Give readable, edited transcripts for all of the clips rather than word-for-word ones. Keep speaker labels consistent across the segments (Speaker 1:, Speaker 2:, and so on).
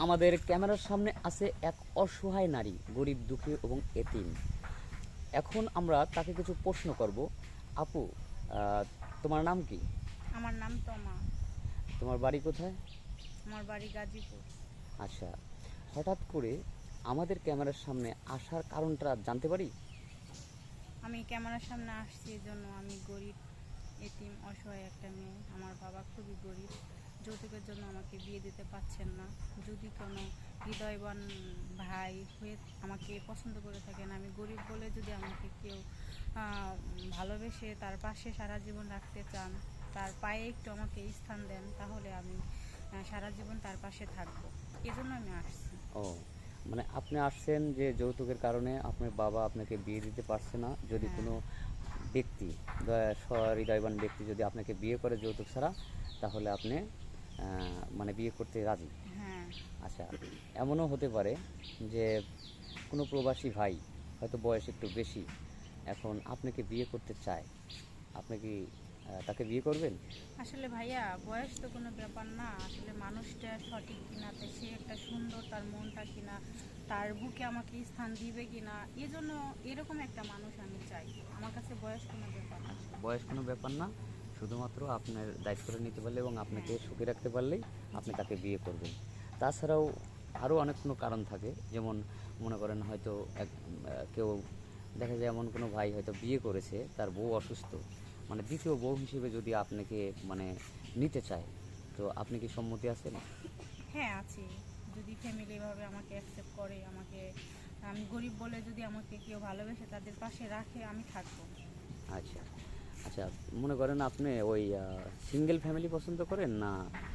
Speaker 1: আমাদের ক্যামেরার সামনে আছে এক অসহায় নারী, গরিব দুঃখী এবং এতিম। এখন আমরা তাকে কিছু প্রশ্ন করব। আপু, আহ, তোমার নাম কি?
Speaker 2: আমার নাম তমা।
Speaker 1: তোমার বাড়ি কোথায়?
Speaker 2: আমার বাড়ি গাজীপুর।
Speaker 1: আচ্ছা, হঠাৎ করে আমাদের ক্যামেরার সামনে আসার কারণটা জানতে পারি?
Speaker 2: আমি ক্যামেরার সামনে আসছি এজন্য আমি গরিব, এতিম, অসহায় একটা মেয়ে। আমার বাবা খুবই গরিব, যৌতুকের জন্য আমাকে বিয়ে দিতে পারছেন না। যদি কোনো হৃদয়বান ভাই হয়ে আমাকে পছন্দ করে থাকেন, আমি গরিব বলে যদি আমাকে কেউ ভালোবেসে তার পাশে সারা জীবন রাখতে চান, তার পায়ে একটু আমাকে স্থান দেন, তাহলে আমি সারা জীবন তার পাশে থাকবো। এজন্য আমি আসছি।
Speaker 1: ও, মানে আপনি আসছেন যে যৌতুকের কারণে আপনার বাবা আপনাকে বিয়ে দিতে পারছে না। যদি
Speaker 2: হ্যাঁ,
Speaker 1: কোনো ব্যক্তি, সহৃদয়বান ব্যক্তি যদি আপনাকে বিয়ে করে যৌতুক ছাড়া, তাহলে আপনি মানে বিয়ে করতে রাজি।
Speaker 2: হ্যাঁ।
Speaker 1: আচ্ছা, এমনও হতে পারে যে কোনো প্রবাসী ভাই হয়তো বয়স একটু বেশি, এখন আপনাকে বিয়ে করতে চায়। আপনি কি তাকে বিয়ে করবেন?
Speaker 2: আসলে ভাইয়া, বয়স তো কোনো ব্যাপার না। আসলে মানুষটা সঠিক কিনা, তো সে একটা সুন্দর, তার মনটা কিনা, তার বুকে আমাকে স্থান দিবে কিনা, এজন্য এরকম একটা মানুষ আমি চাই। আমার কাছে বয়স কোনো ব্যাপার না।
Speaker 1: আচ্ছা, বয়স কোনো ব্যাপার না, শুধুমাত্র আপনার দায়িত্বটা নিতে পারলে এবং আপনাকে
Speaker 2: হ্যাঁ।
Speaker 1: সুখে রাখতে পারলেই আপনি
Speaker 2: জি।
Speaker 1: তাকে বিয়ে করবেন। তাছাড়াও আরও অনেক কোনো কারণ থাকে, যেমন মনে করেন হয়তো কেউ দেখা যায় এমন কোনো ভাই হয়তো বিয়ে করেছে, তার বউ অসুস্থ, মানে দ্বিতীয় বউ হিসেবে যদি আপনাকে মানে নিতে চায়, তো আপনি কি সম্মতি আছেন?
Speaker 2: হ্যাঁ, আছি। যদি ফ্যামিলি এভাবে আমাকে অ্যাকসেপ্ট করে, আমাকে, আমি গরিব বলে যদি আমাকে কেউ ভালোবেসে তাদের পাশে রাখে, আমি থাকবো।
Speaker 1: আচ্ছা, আচ্ছা, মনে করেন আপনি ওই সিঙ্গেল ফ্যামিলি পছন্দ করেন না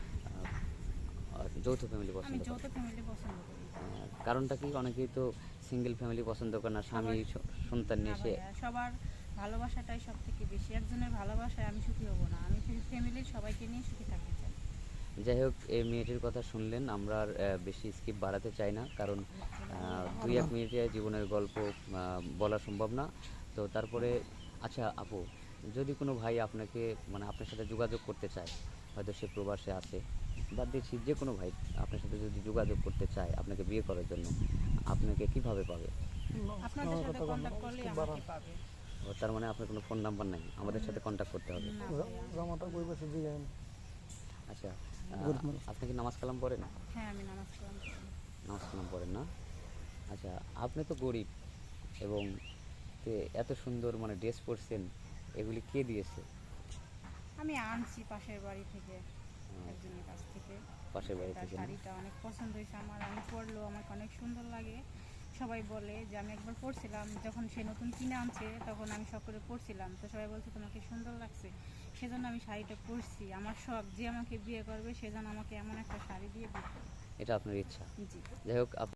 Speaker 1: যৌথ ফ্যামিলি
Speaker 2: আমি
Speaker 1: পছন্দ
Speaker 2: যৌথ
Speaker 1: করেন?
Speaker 2: ফ্যামিলি পছন্দ করি।
Speaker 1: কারণটা কি? অনেকেই তো সিঙ্গেল ফ্যামিলি পছন্দ করে না, স্বামী
Speaker 2: সবার
Speaker 1: সন্তান
Speaker 2: না
Speaker 1: নিয়ে সে।
Speaker 2: ভাইয়া, সবার ভালোবাসাটাই সব থেকে বেশি। একজনের ভালোবাসায় আমি সুখী হব না, আমি ফ্যামিলির সবাইকে নিয়ে সুখী থাকতে চাই।
Speaker 1: যাই হোক, এই মেয়েটির কথা শুনলেন, আমরা আর বেশি স্কিপ বাড়াতে চাই না, কারণ 2-1 মিনিটে জীবনের গল্প বলা সম্ভব না। তো তারপরে, আচ্ছা আপু, যদি কোনো ভাই আপনাকে মানে আপনার সাথে যোগাযোগ করতে চায়, হয়তো সে প্রবাসে আছে, বাদ দিচ্ছি, যে কোনো ভাই আপনার সাথে যদি যোগাযোগ করতে চায় আপনাকে বিয়ে করার জন্য, আপনাকে কিভাবে পাবে?
Speaker 2: আপনাদের সাথে কন্ট্যাক্ট করলে আমাকে পাবে।
Speaker 1: ও, তার মানে আপনার কোনো ফোন নাম্বার নাই, আমাদের সাথে কন্ট্যাক্ট করতে হবে।
Speaker 2: না ভাইয়া।
Speaker 1: আচ্ছা, আপনি কি নামাজ কালাম পড়েন?
Speaker 2: হ্যাঁ, আমি নামাজ কালাম করি।
Speaker 1: নামাজ কালাম পড়েন না? আচ্ছা, আপনি তো গরিব এবং এত সুন্দর মানে ড্রেস পরছেন, এগুলি কে দিয়েছে?
Speaker 2: আমি আনছি পাশের বাড়ি থেকে,
Speaker 1: আহ,
Speaker 2: একজনের কাছ থেকে।
Speaker 1: পাশের বাড়ি
Speaker 2: তার
Speaker 1: থেকে না?
Speaker 2: শাড়িটা অনেক পছন্দ হয়েছে আমার, আমি পরলেও আমাকে অনেক সুন্দর লাগে। সবাই বলে যে, আমি একবার পরছিলাম যখন সে নতুন কিনে আনছে, তখন আমি শখ করে পরছিলাম, তো সবাই বলছে তোমাকে সুন্দর লাগছে। সেজন্য আমি শাড়িটা পরছি। আমার শখ, যে আমাকে বিয়ে করবে সে যেন আমাকে এমন একটা শাড়ি দিয়ে বিয়ে করে।
Speaker 1: এটা আপনার ইচ্ছা।
Speaker 2: জি।
Speaker 1: যাই হোক,